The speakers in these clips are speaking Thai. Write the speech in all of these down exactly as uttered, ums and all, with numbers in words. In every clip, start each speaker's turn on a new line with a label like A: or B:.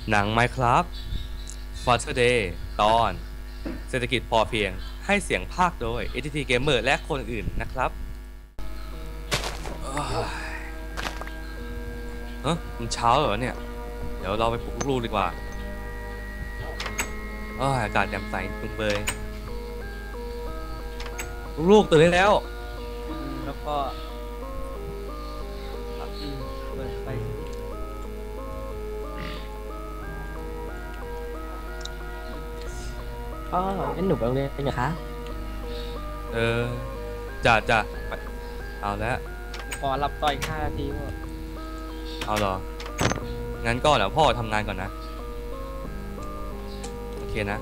A: หนัง Minecraft Father Day ตอนเศรษฐกิจพอเพียงให้เสียงภาคโดย เอ ที ที Gamer และคนอื่นนะครับเฮ้ยมันเช้าเหรอเนี่ยเดี๋ยวเราไปปลุกลูกๆดีกว่าอากาศแจ่มใสจุงเบยลูกๆตื่นได้แล้ว
B: แล้วก็เปิดไฟ
C: อ๋องั้นหนูไปโรงเรียนเหรอคะ
A: เออจ้าจ้าเอาแล้ว
B: ขอรับต่ออีกห้านาทีพ่อ
A: เอาเหรองั้นก็เดี๋ยวพ่อทำงานก่อนนะโอเคนะ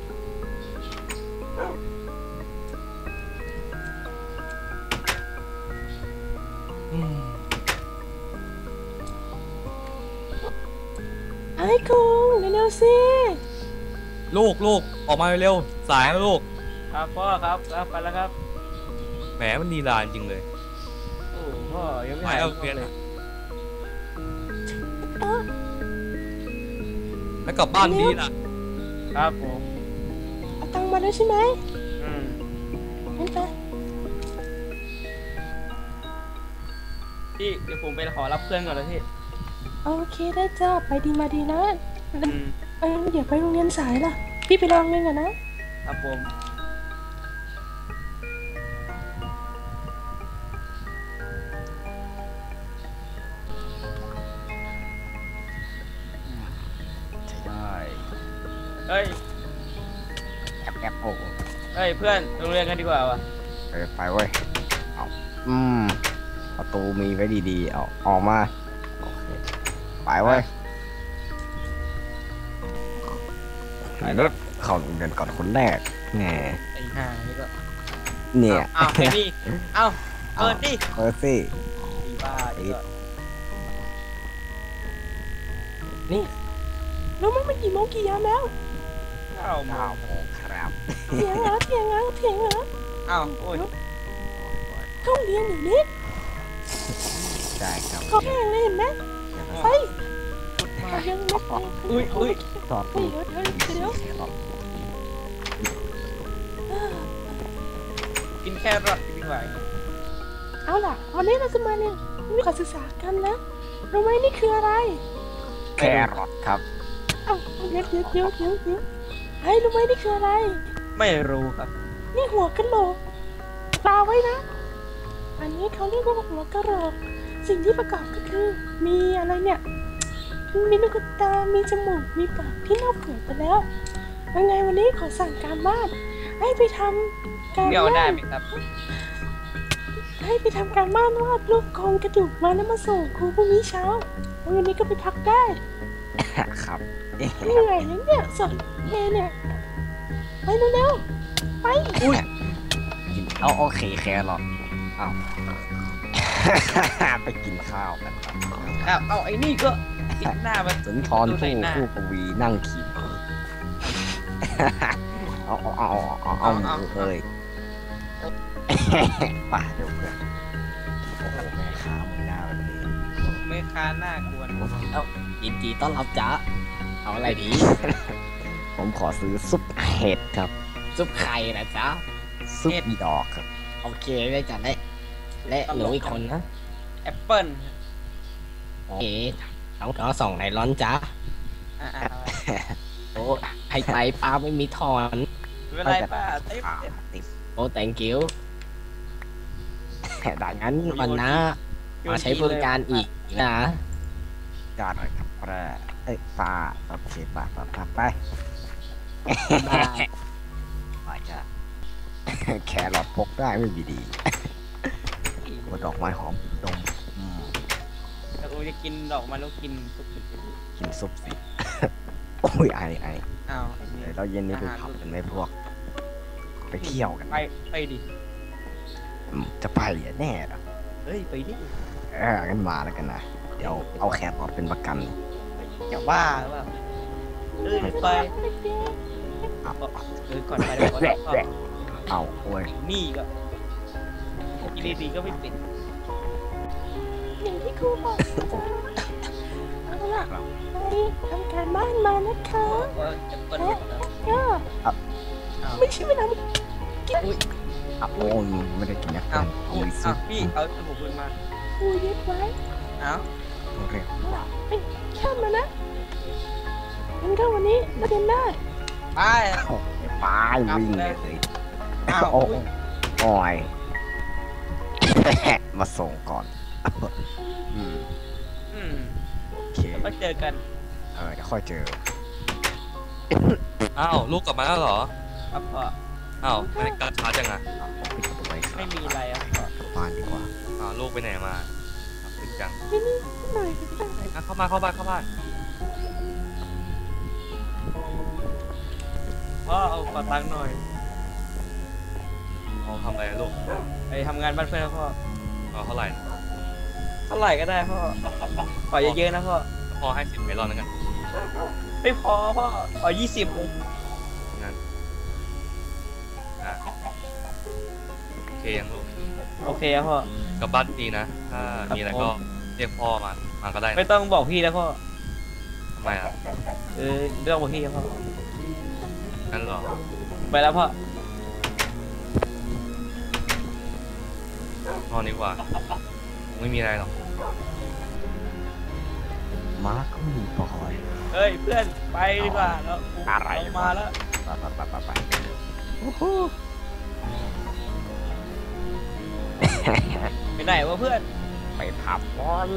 C: ไอ้คุงเร็วๆสิ
A: ลูกลูกออกมาเร็วสายแล้วลูก
B: ครับพ่อครับครับไปแล้วครับ
A: แหมมันนีลานจริงเลย
B: โอ้พ่อยังไม่
A: หายเอาเรียนเลยแล้วกลับบ้านดีล่ะ
B: ครับผม
C: เอาตังค์มาแล้วใช่ไหม
B: อืม
C: งั้นไป
B: พี่เดี๋ยวผมไปขอรับเพื่อนก่อนนะพี่
C: โอเคได้จ้าไปดีมาดีนะเออเดี๋ยวไปโรงเรียนสายล่ะพี่ไปโรงเรียนก่อนนะครับ
B: ผม
D: ใช่ได้
B: เฮ้ย
D: แอบแอบโอ้
B: เฮ้ยเพื่อนโรงเรียนกันดีกว่าวะ
D: ไปไปเว้ยเอาอืมประตูมีไว้ดีๆเอาออกมาโอเคไปเว้ยไอ้รถเข้าโรงเรียนก่อนคนแรกแหม
B: ไอ้ห่านี่ก็
D: เนี่ย
B: อ้าวไอ้นี่เอ้าเปิดดิ
D: เปิดสิ
B: อีบ้าดิ
C: นี่รู้ไหมมันกี่โมงกี่ยามแล้ว
B: เก้าโมง
D: ครับ
C: เถียงเหรอเถียงเหรอเถียงเหรอ
B: อ้าวโอ้ย
C: ต้องเรียนอย่างนี้
D: ใช่ครับ
C: เขาแข่งเลยเห็นไหมไปยังไม่
B: อุ้ยอุ้ย
D: ต่อ
C: เดี๋ยวเดี๋ยวเดี๋ยว
B: กินแครอทดีกว่า
C: เอาล่ะวันนี้เราจะมาเรียนวิชาศึกษากันนะรู้ไหมนี่คืออะไร
D: แครอทครับ
C: เอ้าเดี๋ยวเดี๋ยวเดี๋ยวเดี๋ยวเดี๋ยวไอ้รู้ไหมนี่คืออะไร
B: ไม่รู้ครับ
C: นี่หัวกะโหลกตาไว้นะอันนี้เขาเรียกว่าหัวกะโหลกสิ่งที่ประกอบก็คือมีอะไรเนี่ยมีลูกตา มีจมูก มีปากที่เน่าเปื่อยไปแล้วยังไงวันนี้ขอสั่งการบ้านให้ไปทำการ
B: บ้านได้ไหมครับ
C: ให้ไปทำการบ้านวาดรูปโครงกระดูกมาแล้วมาส่งครูพรุ่งนี้เช้าแล้ววันนี้ก็ไปพักได้
D: ครับ
C: เหนื่อยนะเนี่ยสอนเอเนี่ยไปเร็วๆไป
D: อุ้ยเอาโอเคแครอทเอาไปกินข้าวกัน
B: ครับเอาไอ้นี่ก็ติดหน้ามัน
D: สุนทรภู่ผู้กวีนั่งขีดเอาเอาเอาเอาเอาเลยป่าเดี๋ยวเพื่อนโอ้แม่ค้ามึงหน้าแบบนี้
B: แม่ค้าหน้ากวน
D: เอ้ายินดีต้อนรับจ้าเอาอะไรดีผมขอซื้อซุปเห็ดครับซุปไข่นะจ๊ะซุปดอกครับโอเคได้จ้ะได้และหนูอีกคนนะ
B: แอปเปิ้ล
D: โอเคต้องขอส่องไหนร้อนจ้าโอ้ให้ไปป้าไม่มีทอน
B: ไม่เป็นไรป้า
D: ติดโอ้ thank you แต่ดังนั้นวันนะมาใช้บริการอีกนะจอดหน่อยครับแปรเอ้ยป้าโอเคป้าป้าป้าไปไปจ้ะแครอทพกได้ไม่มีดีว่าดอกไม้หอมดม
B: แล้วกูจะกินดอกไม้แล้วกินซุป
D: กินซุปสิโอ้ยไอไอ
B: อ้าว
D: เราเย็นนี้ไปขับกันไหมพวกไปเที่ยวกัน
B: ไปไปดิ
D: จะไปอ่ะแน่หรอ
B: เฮ้ยไปดิ
D: เออกันมาแล้วกันนะเดี๋ยวเอาแครอทเป็นประกัน
B: อย่าว่าว่าเอ้ยไป
D: เอา
B: เออก่อนไปเดี๋ยวก่อน
D: เอาโอ้ย
B: นี่ก็กินดีๆก็ไม่เป็น
C: อย่างที่ครูบอกเอาล่ะไปทำการบ้านนะคะ
B: ว่าจะเปิดหลุดนะ
C: ก็
B: อ้าว
C: ไม่ใช่เวลากิน
B: อุ้ย
D: อ่ะโอ้ยไม่ได้กินนะ
B: อ้าว
D: โอ้
B: อุ้ย
D: ยซุ
B: อ้าว
D: ป
B: พี่เอาสมุนไพรมา
C: กูยึดไว้
B: อ้าว
D: เร็ว
C: เอ้ยข้ามมานะงั้นก็วันนี้เราเดินได้
B: ไป
D: โอ้ยไปวิ่งเลย
B: อ้าว
D: โอ้
B: อุ้ย
D: โอ้ย มาส่งก่อนอืม
B: อืม
D: โอเค
B: ก็เจอกัน
D: เออเดี๋ยวค่อยเจอ
A: อ้าวลูกกลับมาแล้วเหรอ
B: ครับพ่อ
A: อ้าวไม่ได้กลับช้าจังอะ
D: อ่ะผมปิดประตูไว้ครับ
B: ไม่มีอะไรอ่ะพ่อก
D: ลับบ้านดีกว่า
A: อ้าวลูกไปไหนมาอ้าวขึ้นจัง
C: ที่นี่หน่อยก็ได้
A: อ่ะเข้ามาเข้าบ้านเข้าบ้าน
B: พ่อเอาขอตังค์หน่อย
A: เอาทำอะไรอะลูก
B: ไปทำงานบ้านเพื่อนนะพ่อ
A: เอาเท่าไหร่
B: เท่าไหร่ก็ได้พ่อขอเยอะๆนะพ่อ
A: พอให้สิบเมลอนแล้วกัน
B: ไม่พอพ่อขอยี่สิบเลย
A: งั้นอ่ะโอเคยังลูก
B: โอเคครับพ่อก
A: ลับบ้านดีนะ ถ้ามีอะไรก็เรียกพ่อมา มาก็ได้นะ
B: ไม่ต้องบอกพี่นะพ่อ
A: ทำไมอ่ะ
B: เออเรื่องบอกพี่ครับพ่อ
A: งั้นเหรอ
B: ไปแล้วพ่อ
A: นอนดีกว่า ไม่มีอะไรหรอก
D: มาก็มีปอย
B: เฮ้ยเพื่อนไปดีกว่าแล้ว
D: อะไร
B: เามาแล้ว
D: ไปไปไปไปไป
B: ไปไหนวะเพื่อน
D: ไปผับบอล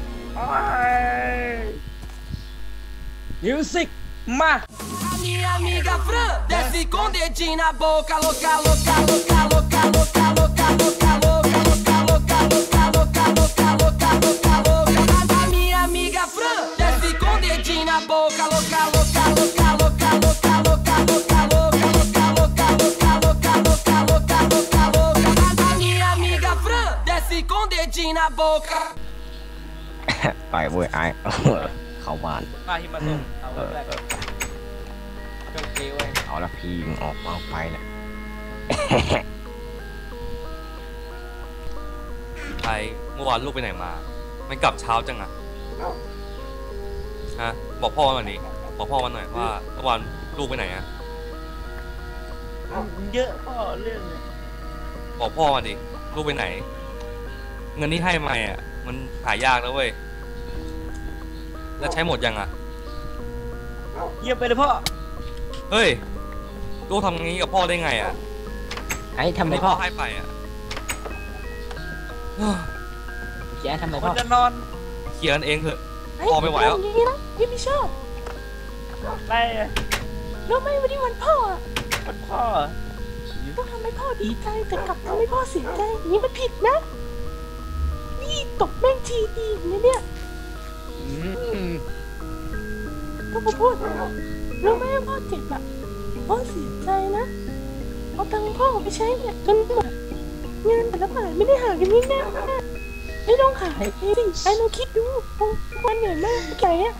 B: มิวสิกมา
E: A minha amiga Fran desce com dedinho na boca, louca, louca, louca, louca, louca, louca, louca, louca, louca, louca, louca, louca, louca, louca, louca, louca. A minha amiga Fran desce com dedinho na boca, louca, louca, louca, louca, louca, louca, louca, louca, louca, louca, louca, louca, louca, louca, louca. A minha amiga Fran desce com dedinho na boca.
D: ไปเว้ยไอ้เข้าบ้าน
B: มาที่มาส่งเอา
D: เออ
B: แรก
D: เออ
B: เครื่องเกไว้
D: เอาละพี่มึงออกมาออกไปนะ
A: ไปเมื่อวานลูกไปไหนมา ไม่กลับเช้าจังอะฮะ บอกพ่อมาหน่อยดิบอกพ่อมาหน่อยว่าเมื่อวานลูกไปไหนอะ
B: เยอะพ่อเรื่องเนี่ย
A: บอกพ่อมาดิ ลูกไปไหน เงินที่ให้มาอ่ะ มันหายากแล้วเว้ย แล้วใช้หมดยังอะ
B: เยี่ยมไปเลยพ่อ
A: เฮ้ย ลูกทำอย่างนี้กับพ่อได้ไงอะ
D: ไอ้ทำไม
A: ที่
D: พ่
A: พ่
D: อ
A: อให้ไปอะ
D: แกทำไม
B: ค
D: พ่
B: น
D: อ
B: จะนอน
A: เคลียร์กันเองเถอะ
C: เฮ้ย
A: พ่อไม่ไหวแล้ว
C: อย่างนี้นะพี่ไม่ชอบ
B: ไล่อะ
C: รู้ไหมวันนี้วันพ่ออะ
B: คนพ่อ
C: ต้องทำให้พ่อดีใจแต่กลับทำให้พ่อเสียใจอย่างนี้มันผิดนะ นี่ตบแม่งทีดีอย่างนี้เนี่ย
B: อืม
C: ต้องมาพูดรู้ไหมว่าพ่อเจ็บอะพ่อเสียใจนะเอาตังค์พ่อไปใช้เนี่ยจนหมดเงินแต่ละบาทไม่ได้หากันง่ายๆไม่ต้องขายเองสิไอ้เราคิดดูวันเหนื่อยมากแก่อะ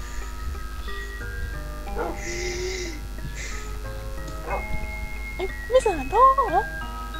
C: ไอ้ไม่สงสารพ่อเหรอ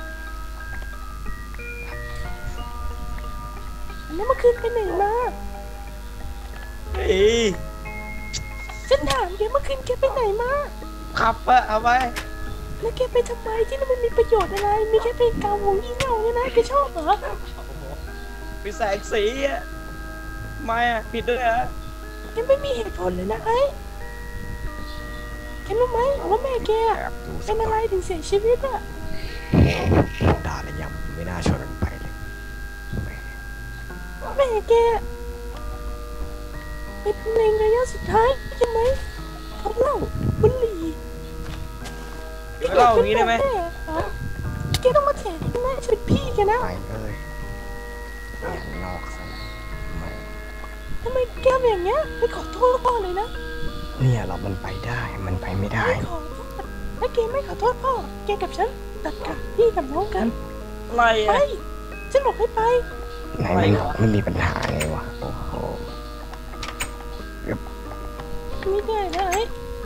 C: แล้วเมื่อคืนไปไหนมา
B: เฮ้ย
C: ฉันถามแกเมื่อคืนแกไปไหนมา
B: ขับอะเอาไป
C: แล้วแกไปทำไมที่นั่นมันมีประโยชน์อะไร มีแค่เพลงเก่าของยี่เง่าเนี่ยนะแกชอบเหรอ
B: ไปแสงสีอะไม่อะผิดด้วยอะ
C: แกไม่มีเหตุผลเลยนะไอ้แกรู้ไหมว่าแม่แก
D: แอบดูสั
C: เป็
D: ก
C: น
D: ห
C: อะ
D: น่
C: ไร
D: อย
C: ถึงเสียชีวิตอะ
D: ด่าแล้วยังไม่น่าชวนกันไปเลยแหม
C: แม่แกเป็นเพลงระยะสุดท้ายใช่ไหมเขาเหล่าบุหรี่
B: เล่าอย่างนี้ได้ไหม
C: แเหรอแกต้องมาแฉแม่ฉันเป็นพี่แกนะ
D: ไปเอ้ยอย่างนอกซะแหม
C: ทำไมแกทำอย่างเงี้ยไม่ขอโทษพ่อเลยนะ
D: เนี่ยเรามันไปได้มันไปไม่ได้
C: ไม่ขอโทษถ้าแกไม่ขอโทษพ่อแกกับฉันตัดขาดพี่กับน้องกัน
B: อะไร
C: ไป
B: อะ
C: ฉันบอกให้ไป
D: ไหนมันบอกไม่มีปัญหาไงวะโอ้โห
C: ไม่ได้นะไอ้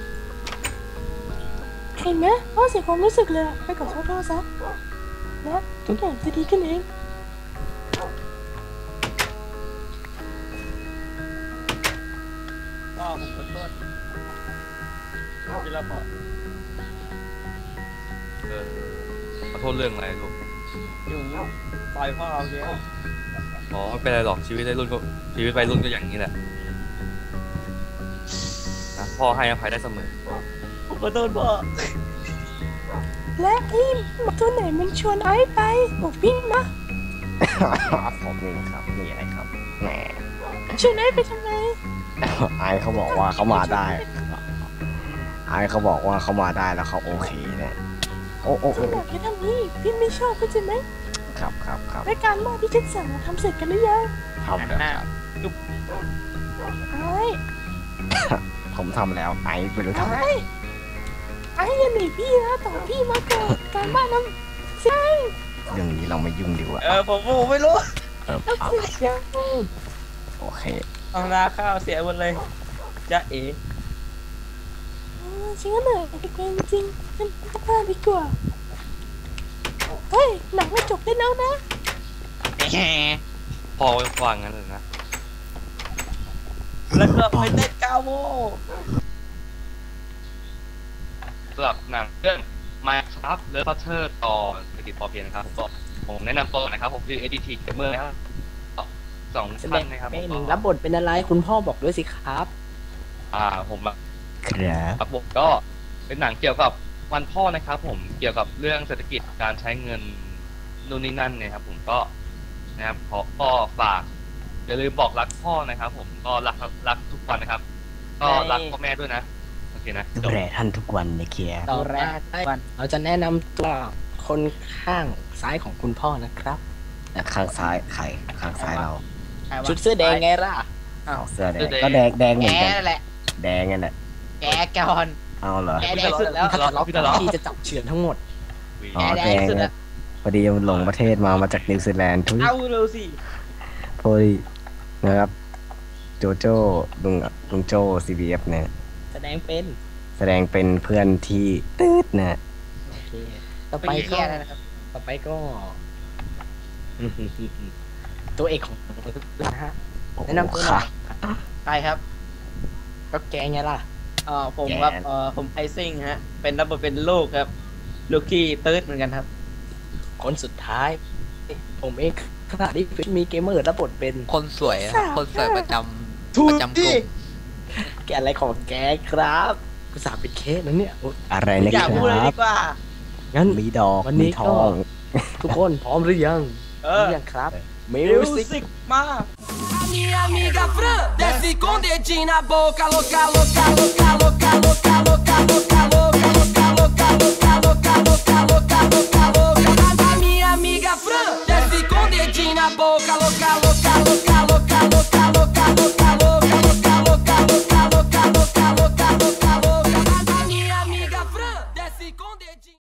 C: เห็นไหมพ่อเสียความรู้สึกเลยอะไปขอโทษพ่อซะนะทุกอย่างจะดีขึ้นเอง
B: พ่อผมขอโทษกินแล้วพ่อ
A: เออขอโทษเรื่องอะไรลูก
B: อยู่ต่อยพ่อเอาเยอะ
A: อ๋อไม่เป็นไรหรอกชีวิตวัยรุ่นก็ชีวิตวัยรุ่นก็อย่างนี้แหละนะพ่อให้อภัยได้เสมอ
B: ผมขอโทษพ่อ
C: และไอ้หมาตัวไหนมันชวนไอ้ไปบอกพี่มา
D: ผมเองครับมีอะไรครับแหม
C: ชวนไอ้ไปทำไม
D: ไอเขาบอกว่าเขามาได้ไอเขาบอกว่าเขามาได้แล้วเขาโอเคเนี่ยโอ้โอ้
C: พี่บอกแค่ทำนี้พี่ไม่ชอบเข้าใจไหม
D: ครับครับครับ
C: รายการบ้านที่ฉันสั่งทำเสร็จกันหรือยัง
D: ทำแล้วครับ
C: ไอ้
D: ผมทำแล้วไอไม่รู้ทำไม
C: ไอ้ไอ้อยันหนีพี่นะต่อพี่มาก่อนการบ้านน้ำใช่
D: เรื่องนี้เราไม่ยุ่งดีกว่า
B: เออผมผมไม่รู้
D: เออ
C: น้ำเสร็จยัง
D: โอเค
B: เอานาข้าวเสียหมดเลยจ้าเอ๋
C: เออฉันก็เหนื่อยไปเกินจริงฉันกลับบ้านดีกว่าเฮ้ยหนังมันจบได้แล้วนะ
A: พ่อวางงั้นเลยนะ
B: แล้วก็ไปเต้นเก้าโมง
A: สำหรับหนังเรื่อง Minecraft เลิฟพัตเตอร์ตอนเศรษฐกิจพอเพียงนะครับก็ผมแนะนำตัวนะครับผมชื่อ เอ ดี ที Gamer นะครับสอง
F: แสด
A: ท่าน
F: ง
A: นะครับ
F: เป็น
A: ผม
F: รับบทเป็นอะไรคุณพ่อบอกด้วยสิครับ
A: อ่าผมอะ
D: ครับ
A: ครับผมก็เป็นหนังเกี่ยวกับวันพ่อนะครับ ผมเกี่ยวกับเรื่องเศรษฐกิจการใช้เงินนู่นนี่นั่นเนี่ยครับผมก็นะครับขอพ่อฝากอย่าลืมบอกรักพ่อนะครับ ผมก็รักรักทุกวันนะครับ ก็รักพ่อแม่ด้วยนะโอเคนะ
D: ดู
A: จบ
D: แลท่านทุกวันนะเคียร์
F: ต่อแรกเราจะแนะนำตัวคนข้างซ้ายของคุณพ่อนะครับ
D: ข้างซ้ายใครข้างซ้ายเรา
F: ชุดเสื้อแดงไงล่ะ
D: เอาเสื้อแดงก็แดงแดงเหมือนกัน
F: นั่นแหละ
D: แดงนั่นแหละ
F: แกก่อน
D: เอาเหรอ
F: แกแดงสุดแล้วถ้าทะเลาะกันพี่จะจับเฉือนทั้งหมด
D: อ๋อ
F: แด
D: แด
F: ง
D: ง
F: สุด
D: นะ
F: อะ
D: พอดีมันหลงประเทศมามาจากนิวซีแลนด์ทุย
B: เอาเร็วสิ
D: พอดีนะครับโจโจ้ลุงลุงโจ ซี บี เอฟ เนี่ย
F: แสดงเป็น
D: แสดงเป็นเพื่อนที่ตืดนะ
F: โอเคต่อไปก็ต่อไปก็ ตัวเอกของนะฮะ แนะนำตัวหน่อย
B: ใครครับ
F: ก็แกไงล่ะ
B: เอ่อผมครับเอ่อผมไอซิ่งฮะเป็นรับบทเป็นลูกครับลูกขี้ตืดเหมือนกันครับ
F: คนสุดท้าย ผมเองขณะที่มีเกมเมอร์รับบทเป็น
G: คนสวยอะคนสวยประจำ
B: ถู
G: ป
B: ก
G: ระจำก
B: ดิ
G: ลุ่ม
F: แกอะไรของแกครับกูสาเป็นเคสนะเนี่ยโอ๊ย
D: อะไรนะ
B: อย่า
D: ค
B: พูดเลย
D: รั
B: ดี
D: บ
B: กว่า
F: งั้น
D: มีดอก
F: วันนี้
D: มีท
F: ก็
D: อง
F: ทุกคนพร้อมหรือยัง
B: เอ
F: พร้อ
B: อ
F: มยังครับมิ
B: มิ
F: ว
B: ว
F: สิก
B: สิกมา
E: A minha amiga Fran desce com dedinho na boca, louca, louca, louca, louca, louca, louca, louca, louca, louca, louca, louca, louca, louca, louca, louca, louca. A minha amiga Fran desce com dedinho na boca, louca, louca, louca, louca, louca, louca, louca, louca.